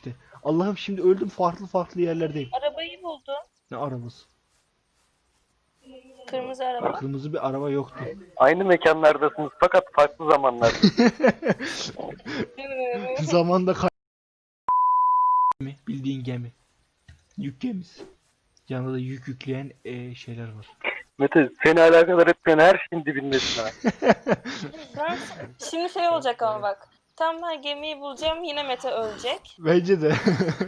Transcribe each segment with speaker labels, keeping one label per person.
Speaker 1: işte. Allah'ım şimdi öldüm, farklı farklı yerlerdeyim.
Speaker 2: Arabayı buldum.
Speaker 1: Ne arabası?
Speaker 2: Kırmızı araba.
Speaker 1: Kırmızı bir araba yoktu.
Speaker 3: Aynı mekanlardasınız fakat farklı zamanlarda.
Speaker 1: Zamanda gemi, bildiğin gemi. Yük gemisi. Yanında da yük yükleyen şeyler var.
Speaker 3: Mete seni alakadar etmeyen her şeyin dibindesin ha.
Speaker 2: Ben, şimdi şey olacak ama bak. Tam ben gemiyi bulacağım, yine Mete ölecek.
Speaker 1: Bence de.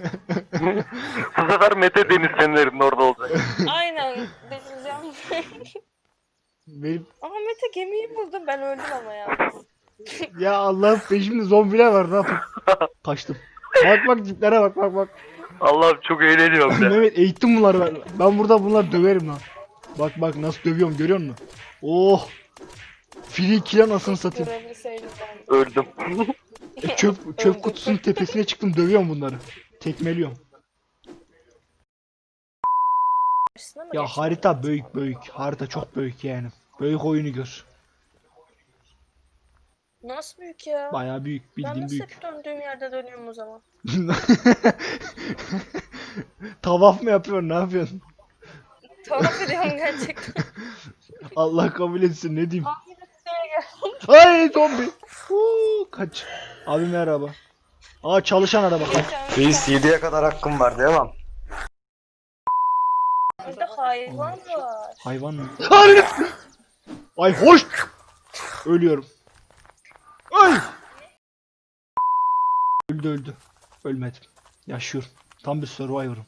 Speaker 3: Bu sefer Mete Deniz Fener'in orada olacak.
Speaker 2: Aynen delireceğim.
Speaker 1: Benim...
Speaker 2: Ama Mete gemiyi buldum, ben öldüm ama ya.
Speaker 1: Ya Allah'ım peşimde zombiler var, ne yapayım? Kaçtım. Bak bak tiplere bak bak bak.
Speaker 3: Allah'ım çok eğleniyorum ya.
Speaker 1: Mehmet eğittim bunları ben. Ben burada bunları döverim lan. Bak bak nasıl dövüyorum, görüyor musun? Oh! Free kill anasını satayım.
Speaker 2: Görebilseydim ben.
Speaker 3: Öldüm.
Speaker 1: Çöp kutusunun tepesine çıktım, dövüyorum bunları. Tekmeliyorum.
Speaker 2: Karşısına mı
Speaker 1: Ya
Speaker 2: geçtin?
Speaker 1: harita büyük büyük. Harita çok büyük yani. Büyük oyunu gör.
Speaker 2: Nasıl büyük ya?
Speaker 1: Bayağı büyük,
Speaker 2: Ben
Speaker 1: bildiğin
Speaker 2: nasıl
Speaker 1: büyük.
Speaker 2: hep döndüğüm yerde dönüyorum o zaman?
Speaker 1: Tavaf mı yapıyorsun, ne yapıyorsun?
Speaker 2: Tuhaf ediyorum gerçekten.
Speaker 1: Allah kabul etsin, ne diyeyim?
Speaker 2: Abi de gel.
Speaker 1: Ay zombi. Kaç. Abi merhaba. Aa çalışan araba.
Speaker 4: Reis 7'ye kadar hakkım var, devam.
Speaker 2: Burada hayvan var.
Speaker 1: Hayvan mı? Hayır. Ay hoş. Ölüyorum. Ay. Öldü öldü. Ölmedim. Yaşıyorum. Tam bir survivor'ım.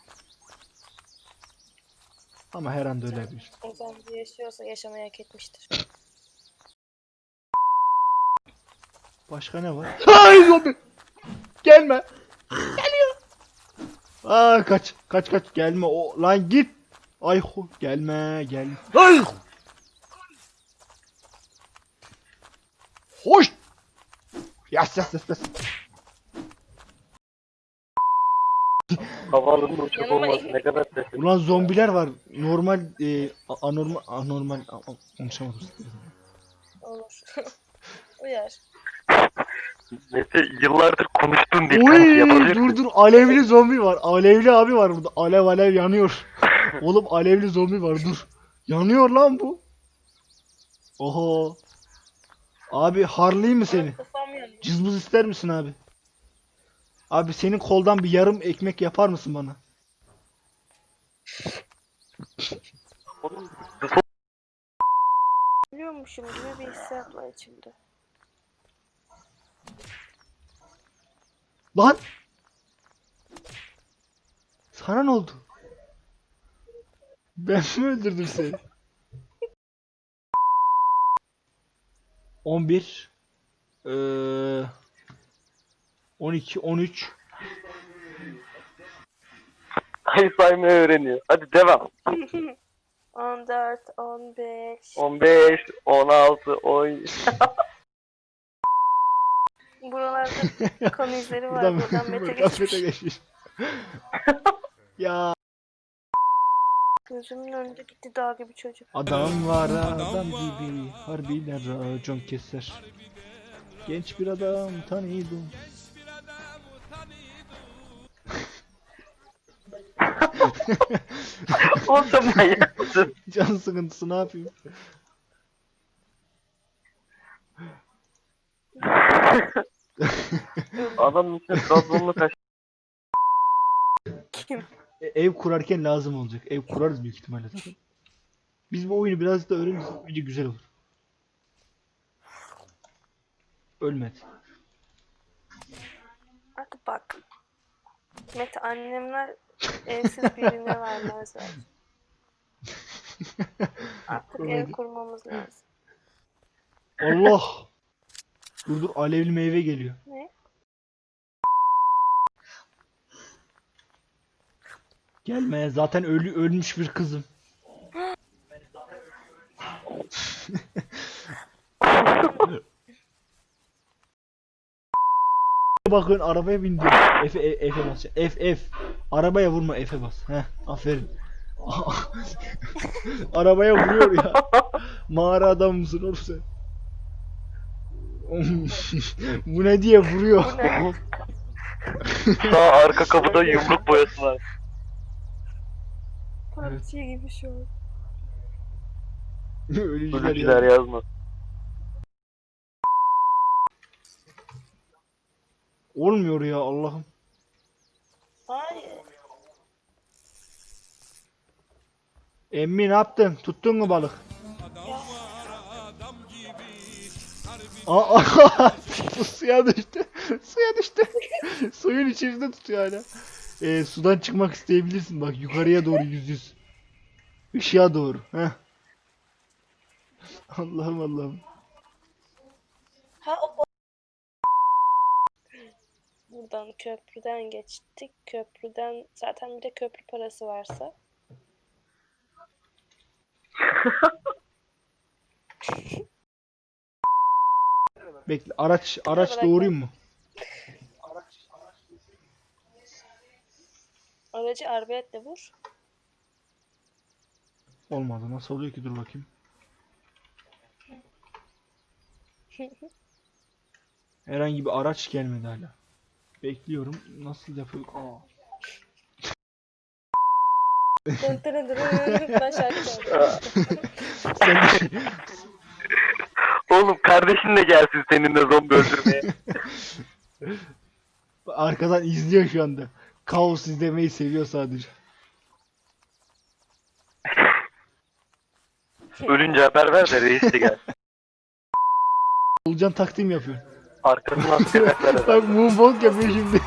Speaker 1: Ama her anda ölebilir.
Speaker 2: O zombi yaşıyorsa yaşamayı hak etmiştir.
Speaker 1: Başka ne var? Ay zombi. Gelme. Geliyor. Aa kaç. Kaç kaç. Gelme o. Lan git. Ay gelme gelme. Ay. Hoş. Yas yas yas yas.
Speaker 3: Havaalanının uçak
Speaker 2: Yanıma
Speaker 3: olması ne kadar sesli.
Speaker 1: Ulan zombiler var. Normal anormal konuşamadım.
Speaker 2: Olur. Uyar.
Speaker 3: Mete yıllardır konuştuğun dil
Speaker 1: Oy
Speaker 3: kanıtı yapabilirsin.
Speaker 1: dur alevli zombi var. Alevli abi var burada. Alev alev yanıyor. Oğlum alevli zombi var dur. Yanıyor lan bu. Oho. Abi harlayayım mı seni?
Speaker 2: Kafam yanıyor.
Speaker 1: Cızbız ister misin abi? Abi senin koldan bir yarım ekmek yapar mısın bana?
Speaker 2: Biliyormuşum gibi bir hissiyat var içimde.
Speaker 1: Lan! Sana ne oldu? Ben mi öldürdüm seni? 11 12 13
Speaker 3: Ay saymayı öğreniyor. Hadi devam.
Speaker 2: 14, 15.
Speaker 3: 15, 16, 10.
Speaker 2: Buralarda kan izleri var.
Speaker 1: Buradan
Speaker 2: Buradan Mete
Speaker 1: Mete
Speaker 2: geçmiş.
Speaker 1: geçmiş. Ya
Speaker 2: Gözümün önünde gitti dağ gibi çocuk.
Speaker 1: adam var adam gibi harbiden racon keser. Genç bir adam tanıyordum.
Speaker 3: O da manyak mısın?
Speaker 1: Can sıkıntısı ne yapayım?
Speaker 3: Adamın içine Trabzonlu taş.
Speaker 2: Kim?
Speaker 1: Ev kurarken lazım olacak. Ev kurarız büyük ihtimalle zaten. Biz bu oyunu biraz da öğrenirsek bence güzel olur. Ölmedi.
Speaker 2: Artık bak. Mete annemler evsiz birine vermezler. Artık ev kurmamız lazım.
Speaker 1: Allah! Dur alevli meyve geliyor.
Speaker 2: Ne?
Speaker 1: Gelme zaten ölmüş bir kızım. Bakın arabaya bindim. F'e bas. F. Arabaya vurma F'e bas. Heh, aferin. Arabaya vuruyor ya. Mağara adam mısın oğlum sen? Bu ne diye vuruyor.
Speaker 2: Bu ne?
Speaker 3: Sağ arka kapıda yumruk boyası var.
Speaker 2: PUBG gibi şu an.
Speaker 1: Ölücüler
Speaker 3: Ölücüler
Speaker 1: ya.
Speaker 3: yazmaz.
Speaker 1: Olmuyor ya Allah'ım.
Speaker 2: Hayır.
Speaker 1: Emmi ne yaptın? Tuttun mu balık? Aa, bu suya düştü. Suya düştü. Suyun içerisinde tutuyor hala. Sudan çıkmak isteyebilirsin bak yukarıya doğru yüz. Işığa doğru. Heh. Allah'ım Allah'ım.
Speaker 2: Ha o. Buradan köprüden geçtik. Köprüden zaten bir de köprü parası varsa.
Speaker 1: Bekle araç
Speaker 2: Bırak
Speaker 1: doğurayım mı?
Speaker 2: Aracı arbaletle vur.
Speaker 1: Olmadı. Nasıl oluyor ki? Dur bakayım. Herhangi bir araç gelmedi hala. Bekliyorum. Nasıl yapıyor? Aa.
Speaker 2: Dın dırın dırın. Ben şarkı çaldım.
Speaker 1: Sen de şey-
Speaker 3: Oğlum kardeşin de gelsin seninle zombi öldürmeye.
Speaker 1: Arkadan izliyor şu anda. Kaos izlemeyi seviyor sadece.
Speaker 3: Ölünce haber ver de reis de gel.
Speaker 1: Olcan takdim yapıyor.
Speaker 3: Arkasından askerler
Speaker 1: Bak moonwalk yapıyor şimdi.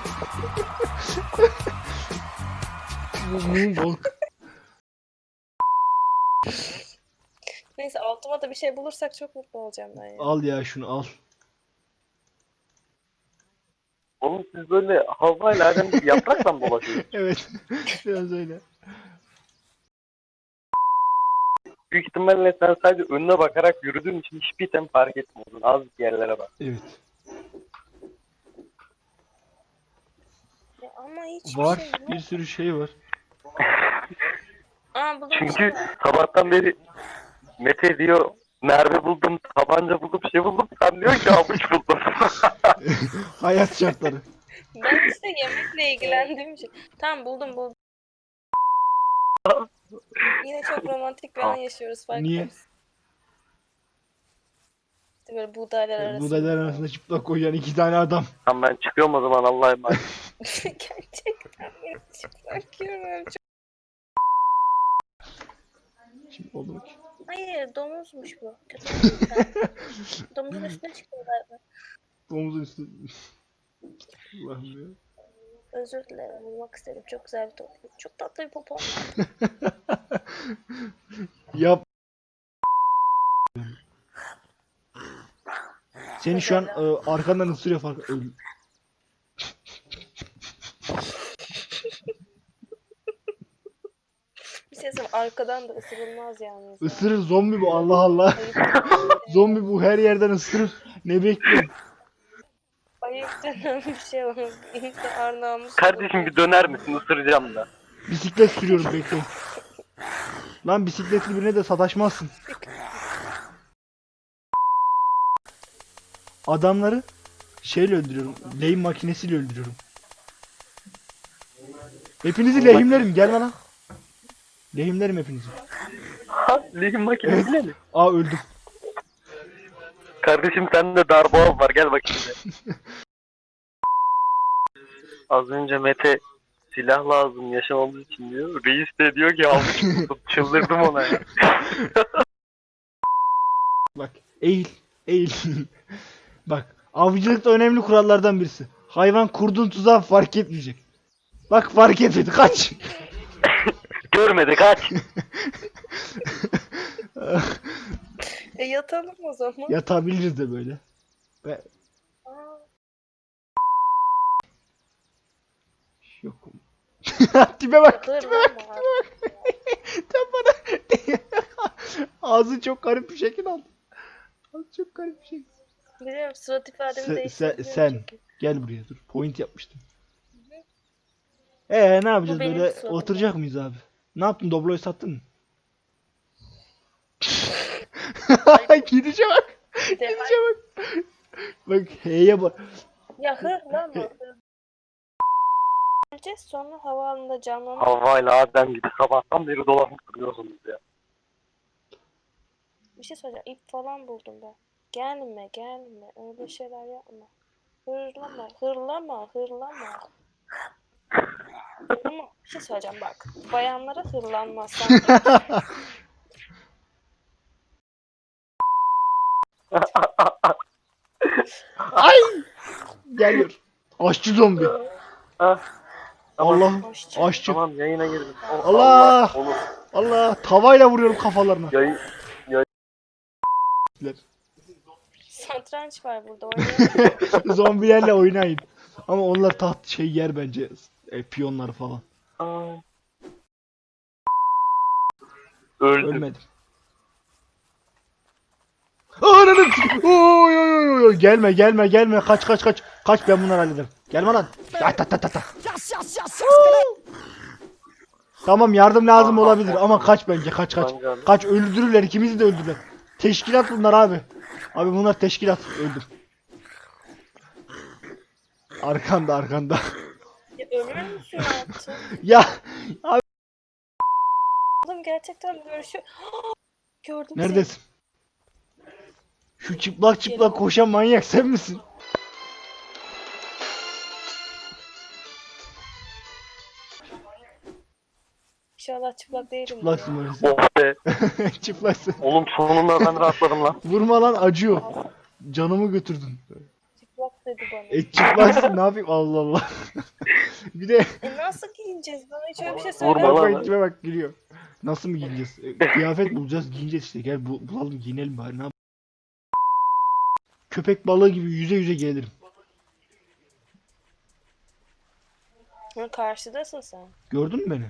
Speaker 1: Moonwalk.
Speaker 2: Neyse altıma da bir şey bulursak çok mutlu olacağım ben ya.
Speaker 1: Al ya şunu al.
Speaker 3: Oğlum siz böyle havayla adam gibi yaprakla mı dolaşıyorsunuz?
Speaker 1: Evet. Biraz öyle.
Speaker 3: Büyük ihtimalle sen sadece önüne bakarak yürüdüğün için hiçbir item fark etmiyordun. Az yerlere bak.
Speaker 1: Evet.
Speaker 2: Ya ama hiçbir
Speaker 1: Var.
Speaker 2: şey yok.
Speaker 1: Bir sürü şey var.
Speaker 2: Aa buldum.
Speaker 3: Çünkü sabahtan beri Mete diyor mermi buldum, tabanca buldum, şey buldum. Sen diyor ki avuç buldum.
Speaker 1: Hayat şartları.
Speaker 2: Ben işte yemekle ilgilendiğim için. Tamam buldum. Yine çok romantik bir an yaşıyoruz farkında
Speaker 1: Niye?
Speaker 2: mısın? İşte böyle buğdaylar arasında.
Speaker 1: Buğdaylar arasında çıplak koyan iki tane adam.
Speaker 3: Tamam ben çıkıyorum o zaman Allah'a emanet.
Speaker 2: Gerçekten beni çıplak görüyorum.
Speaker 1: Şimdi oldu mu ki?
Speaker 2: Hayır domuzmuş bu. Kötü. Domuzun üstüne çıktı galiba.
Speaker 1: Domuzun üstü. Allah'ım ya.
Speaker 2: Özür dilerim bulmak istedim. Çok güzel bir topu. Çok tatlı bir popo.
Speaker 1: Yap. Seni şu an arkandan ısırıyor fark.
Speaker 2: Bir şey söyleyeyim arkadan da ısırılmaz yalnız. ya.
Speaker 1: Isırır zombi bu Allah Allah.
Speaker 2: Ayıp,
Speaker 1: Zombi bu her yerden ısırır. Ne bekliyorsun?
Speaker 2: ayıp denen bir şey var. İnsan arnavmış.
Speaker 3: Kardeşim bir döner misin? Isıracağım da.
Speaker 1: Bisiklet sürüyorum bekle. Lan bisikletli birine de sataşmazsın. Adamları şeyle öldürüyorum. Lehim makinesiyle öldürüyorum. Hepinizi lehimlerim gel bana. Lehimlerim hepinizi.
Speaker 3: Ha, lehim makinesiyle mi?
Speaker 1: Aa öldüm.
Speaker 3: Kardeşim sende darboğaz var gel bakayım de. Az önce Mete silah lazım yaşamamız için diyor. Reis de diyor ki avuç buldum. Çıldırdım ona ya.
Speaker 1: Bak eğil. Eğil. Bak avcılıkta önemli kurallardan birisi. Hayvan kurduğun tuzağı fark etmeyecek. Bak fark etmedi kaç.
Speaker 3: Görmedi kaç.
Speaker 2: Yatalım o zaman.
Speaker 1: Yatabiliriz de böyle. Be
Speaker 2: Aa,
Speaker 1: yok. Tipe bak.
Speaker 2: yatılır lan bu abi.
Speaker 1: Sen bana ağzı çok garip bir şekil aldı. Ağzı çok garip bir şekil.
Speaker 2: Biliyorum surat ifademi
Speaker 1: Sen,
Speaker 2: değiştirdim.
Speaker 1: sen gel buraya dur. Point yapmıştım. Ne yapacağız
Speaker 2: benim
Speaker 1: böyle
Speaker 2: sorunum.
Speaker 1: oturacak mıyız abi? Ne yaptın? Doblo'yu sattın mı? Gidişe bak. Gidişe bak. Bak H'ye bak.
Speaker 2: Ya hır lan bu. Öleceğiz sonra havaalanında canlanıp
Speaker 3: Havva'yla Adem gibi sabahtan beri dolanıp duruyorsunuz ya.
Speaker 2: bir şey söyleyeceğim. İp falan buldum ben. Gelme gelme. Öyle şeyler yapma. Hırlama hırlama hırlama. Ama bir şey söyleyeceğim bak. Bayanlara hırlanmaz. Sen
Speaker 1: Ay! Geliyor. Aşçı zombi.
Speaker 3: Ah, tamam,
Speaker 1: Allah.
Speaker 2: hoşça.
Speaker 1: Aşçı.
Speaker 3: tamam yayına girdim. Oh,
Speaker 1: Allah!
Speaker 3: Onu
Speaker 1: Allah. Tavayla vuruyorum kafalarına.
Speaker 3: yayın
Speaker 2: Satranç var burada oynayalım.
Speaker 1: Zombilerle oynayın. Ama onlar taht yer bence. Piyonlar falan.
Speaker 3: Ay. Öldüm.
Speaker 1: Ölmedim. Ananı oy oy oy oy. Gelme gelme gelme. Kaç kaç kaç. Kaç, ben bunları hallederim. Gelme lan. Ta ta ta ta ta. Tamam, yardım lazım olabilir ama kaç bence, kaç kaç. Kaç, öldürürler, ikimizi de öldürürler. Teşkilat bunlar abi. Abi bunlar teşkilat, öldüm. Arkanda arkanda.
Speaker 2: Ya ölür müsün artık?
Speaker 1: Ya abi
Speaker 2: Oğlum gerçekten görüşüyor. Gördüm seni.
Speaker 1: neredesin? Şu çıplak çıplak koşan manyak sen misin?
Speaker 2: İnşallah çıplak değilim.
Speaker 1: Çıplaksın böyle sen.
Speaker 3: Oh be.
Speaker 1: Çıplaksın.
Speaker 3: Oğlum sonunda ben rahatladım lan.
Speaker 1: Vurma lan, acıyor. Canımı götürdün.
Speaker 2: Çıplak dedi bana.
Speaker 1: Çıplaksın, ne yapayım, Allah Allah. Bir de
Speaker 2: Nasıl giyineceğiz? Bana hiç öyle bir şey
Speaker 3: Vurma
Speaker 2: söyleme.
Speaker 3: lan.
Speaker 1: bak içime bak, gülüyor. Nasıl mı giyineceğiz? Kıyafet bulacağız, giyineceğiz işte. Gel bulalım, giyinelim bari, ne yap- Köpek balığı gibi yüze yüze gelirim.
Speaker 2: Ha, karşıdasın sen.
Speaker 1: Gördün mü beni?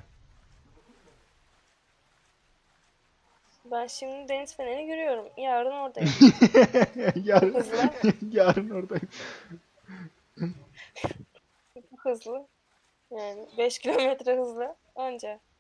Speaker 2: Ben şimdi deniz fenerini görüyorum. Yarın oradayım.
Speaker 1: yarın,
Speaker 2: Hızlı ama.
Speaker 1: yarın oradayım.
Speaker 2: Hızlı. Yani 5 kilometre hızlı. Anca.